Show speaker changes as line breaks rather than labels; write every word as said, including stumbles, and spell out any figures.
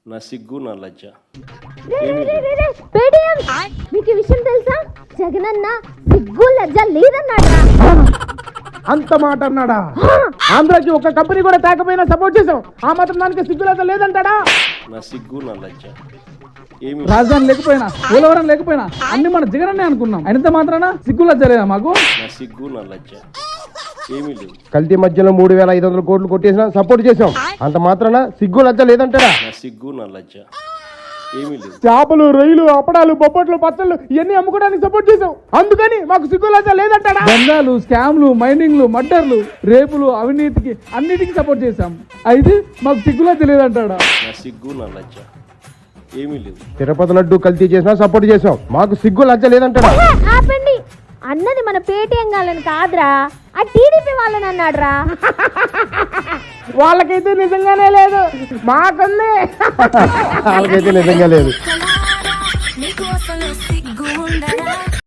నా సిగ్గు నా లజ్జ.
మీకు ఈ విషయం తెలుసా? జగనన్న సిగ్గు లజ్జ లేదన్నాడా?
అంత మాట అన్నాడా? ఆంధ్రాకి ఒక కంపెనీ కూడా తేకపోయినా సపోర్ట్ చేసాం, ఆ మాత్రం దానికి సిగ్గు లజ్జ లేదంటాడా?
నా సిగ్గు నా లజ్జ ఏమి
రాజధాని లేకపోయినా, పోలవరం లేకపోయినా అన్ని మన జగనన్నే అనుకున్నాం. అయినంత మాత్రాన సిగ్గు లజ్జ లేదా మాకు?
నా సిగ్గు నా లజ్జ ఏమీ లేవు.
కల్తీ మధ్యలో మూడు వేల ఐదు వందల కోట్లు కొట్టేసినా సపోర్ట్ చేసాం, అంత మాత్రాన సిగ్గు లజ్జ లేదంటారా?
నా సిగ్గు నా లజ్జ ఏమీ లేవు.
చేపలు, రొయ్యలు, అప్పడాలు, బొప్పట్లు, పచ్చళ్ళు ఇవన్నీ అమ్ముకోవడానికి సపోర్ట్ చేసాం, అందుకని మాకు సిగ్గు లజ్జ లేదంటాడా? దందాలు, స్కామ్లు, మైనింగ్లు, మర్డర్లు, రేపులు, అవినీతికి అన్నిటికీ సపోర్ట్ చేశాం, అయితే మాకు సిగ్గు లజ్జ లేదంటాడా?
నా సిగ్గు నా లజ్జ ఏమీ లేవు.
తిరుపతి లడ్డు కల్తీ చేసినా సపోర్ట్ చేసాం, మాకు సిగ్గు లజ్జ లేదంటాడా?
ఆపండి, అన్నది మన పేటీఎం వాళ్ళని కాదురా, ఆ టీడీపీ వాళ్ళని అన్నాడురా.
వాళ్ళకైతే నిజంగానే లేదు, మాకుంది.
వాళ్ళకైతే నిజంగా లేదు.
నీకు అసలు సిగ్గు ఉండదా?